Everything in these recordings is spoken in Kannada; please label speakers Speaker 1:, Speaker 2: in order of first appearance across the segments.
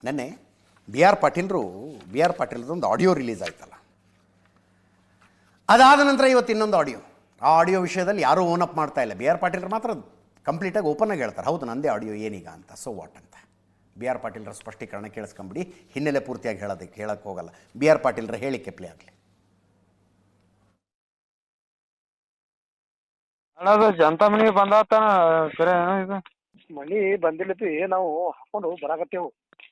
Speaker 1: ನೆನ್ನೆ ಬಿ ಆರ್ ಪಾಟೀಲ್ದೊಂದು ಆಡಿಯೋ ರಿಲೀಸ್ ಆಯ್ತಲ್ಲ, ಅದಾದ ನಂತರ ಇವತ್ತು ಇನ್ನೊಂದು ಆಡಿಯೋ. ಆ ಆಡಿಯೋ ವಿಷಯದಲ್ಲಿ ಯಾರೂ ಓನ್ ಅಪ್ ಮಾಡ್ತಾ ಇಲ್ಲ. ಬಿ ಆರ್ ಪಾಟೀಲ್ರು ಮಾತ್ರ ಕಂಪ್ಲೀಟಾಗಿ ಓಪನ್ನಾಗಿ ಹೇಳ್ತಾರೆ, ಹೌದು ನಂದೇ ಆಡಿಯೋ ಏನೀಗ ಅಂತ, ಸೊ ವಾಟ್ ಅಂತ. ಬಿ ಆರ್ ಪಾಟೀಲ್ರ ಸ್ಪಷ್ಟೀಕರಣ ಕೇಳಿಸ್ಕೊಂಬಿಡಿ, ಹಿನ್ನೆಲೆ ಪೂರ್ತಿಯಾಗಿ ಹೇಳೋಕ್ಕೆ ಹೋಗಲ್ಲ. ಬಿ ಆರ್ ಪಾಟೀಲ್ರ ಹೇಳಿಕೆ ಪ್ಲೇ ಆಗಲಿ.
Speaker 2: ಅಣ್ಣ ಜನತಾ ಮನೆಗೆ ಬಂದಾತನ ಕರೆ ಇದು
Speaker 3: ಮಳಿ ಬಂದಿಲ್ಲತಿ, ನಾವು ಹಾಕೊಂಡು ಬರಾಕತ್ತೇವು.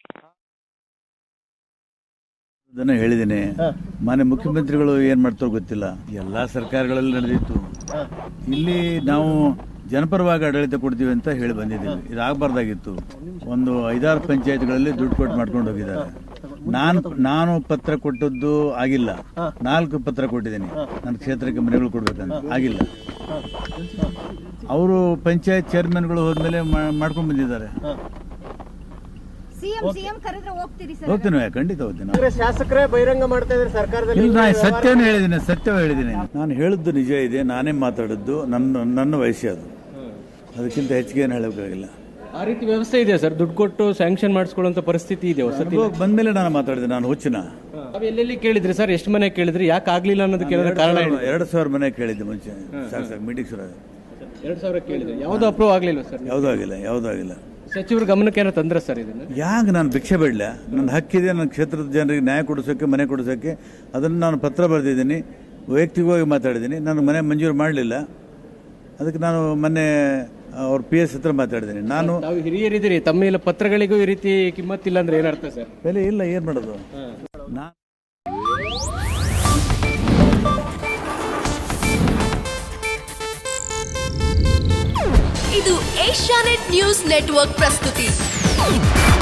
Speaker 4: ಅದನ್ನ ಹೇಳಿದ್ದೇನೆ. ಮಾನ್ಯ ಮುಖ್ಯಮಂತ್ರಿಗಳು ಏನ್ ಮಾಡ್ತಾರೋ ಗೊತ್ತಿಲ್ಲ, ಎಲ್ಲಾ ಸರ್ಕಾರಗಳಲ್ಲಿ ನಡೆದಿತ್ತು. ಇಲ್ಲಿ ನಾವು ಜನಪರವಾಗಿ ಆಡಳಿತ ಕೊಡ್ತೀವಿ ಅಂತ ಹೇಳಿ ಬಂದಿದ್ದೀವಿ. ಇದಾಗಬಾರ್ದಾಗಿತ್ತು. ಒಂದು 5-6 ಪಂಚಾಯತ್ಗಳಲ್ಲಿ ದುಡ್ಡು ಕೊಟ್ಟು ಮಾಡ್ಕೊಂಡು ಹೋಗಿದ್ದಾರೆ. ನಾನು ಪತ್ರ ಕೊಟ್ಟದ್ದು ಆಗಿಲ್ಲ, 4 ಪತ್ರ ಕೊಟ್ಟಿದ್ದೀನಿ ನನ್ನ ಕ್ಷೇತ್ರಕ್ಕೆ ಮನೆಗಳು ಕೊಡ್ಬೇಕಂತ, ಆಗಿಲ್ಲ. ಅವರು ಪಂಚಾಯತ್ ಚೇರ್ಮನ್ಗಳು ಹೋದ್ಮೇಲೆ ಮಾಡ್ಕೊಂಡು ಬಂದಿದ್ದಾರೆ. ಹೋಗ್ತೀನಿ, ಖಂಡಿತ ಹೋಗ್ತೀನಿ.
Speaker 3: ಶಾಸಕರೇ ಬಹಿರಂಗ ಮಾಡ್ತಾ ಇದ್ದಾರೆ ಸರ್ಕಾರದಲ್ಲಿ.
Speaker 4: ಇಲ್ಲ, ಸತ್ಯವೇ ಹೇಳಿದ್ದೀನಿ. ನಾನು ಹೇಳಿದ್ದು ನಿಜ ಇದೆ, ನಾನೇ ಮಾತಾಡಿದ್ದು, ನನ್ನ ವಯಸ್ಸೇ ಅದು, ಅದಕ್ಕಿಂತ ಹೆಚ್ಚಿಗೆ ಏನು ಹೇಳಬೇಕಾಗಿಲ್ಲ.
Speaker 5: ಆ ರೀತಿ ವ್ಯವಸ್ಥೆ ಇದೆ ಸರ್, ದುಡ್ಡು ಕೊಟ್ಟು ಸ್ಯಾಂಕ್ಷನ್ ಮಾಡಿಸ್ಕೊಳ್ಳುವಂತ ಪರಿಸ್ಥಿತಿ ಇದೆ.
Speaker 4: ಬಂದ್ಮೇಲೆ ನಾನು ಮಾತಾಡಿದೆ, ನಾನು ಹುಚ್ಚಿನ.
Speaker 5: ಎಲ್ಲೆಲ್ಲಿ ಕೇಳಿದ್ರಿ ಸರ್, ಎಷ್ಟು ಮನೆ ಕೇಳಿದ್ರಿ, ಯಾಕೆ ಆಗ್ಲಿಲ್ಲ ಅನ್ನೋದಕ್ಕೆ ಕಾರಣ
Speaker 4: 2,000 ಮನೆ ಕೇಳಿದ್ದೆ ಮುಂಚೆ. ಸಾಕು ಮೀಟಿಂಗ್ ಶುರು
Speaker 5: 2,000 ಕೇಳಿದ್ರಿ, ಯಾವ್ದು ಅಪ್ರೂವ್ ಆಗ್ಲಿಲ್ಲ ಸರ್?
Speaker 4: ಯಾವುದೂ ಆಗಿಲ್ಲ.
Speaker 5: ಸಚಿವರ ಗಮನಕ್ಕೆ ಏನೋ ತಂದ್ರ ಸರ್ ಇದನ್ನ?
Speaker 4: ಯಾಕೆ ನಾನು ಭಿಕ್ಷೆ ಬೇಡಲ? ನನ್ನ ಹಕ್ಕಿದೆ, ನನ್ನ ಕ್ಷೇತ್ರದ ಜನರಿಗೆ ನ್ಯಾಯ ಕೊಡಿಸೋಕೆ, ಮನೆ ಕೊಡಿಸೋಕೆ. ಅದನ್ನು ನಾನು ಪತ್ರ ಬರೆದಿದ್ದೀನಿ, ವೈಯಕ್ತಿಕವಾಗಿ ಮಾತಾಡಿದ್ದೀನಿ. ನಾನು ಮನೆ ಮಂಜೂರು ಮಾಡಲಿಲ್ಲ, ಅದಕ್ಕೆ ನಾನು ಮೊನ್ನೆ ಅವ್ರ PS ಹತ್ರ ಮಾತಾಡಿದ್ದೀನಿ. ನಾನು
Speaker 5: ಹಿರಿಯರಿದ್ದೀರಿ, ತಮ್ಮ ಎಲ್ಲ ಪತ್ರಗಳಿಗೂ ಈ ರೀತಿ ಕಿಮ್ಮತ್ತಿಲ್ಲ ಅಂದ್ರೆ ಏನರ್ಥ ಸರ್?
Speaker 4: ಬೆಲೆ ಇಲ್ಲ, ಏನು ಮಾಡೋದು?
Speaker 6: ಇದು ಏಷ್ಯಾನೆಟ್ ನ್ಯೂಸ್ ನೆಟ್ವರ್ಕ್ ಪ್ರಸ್ತುತಿ.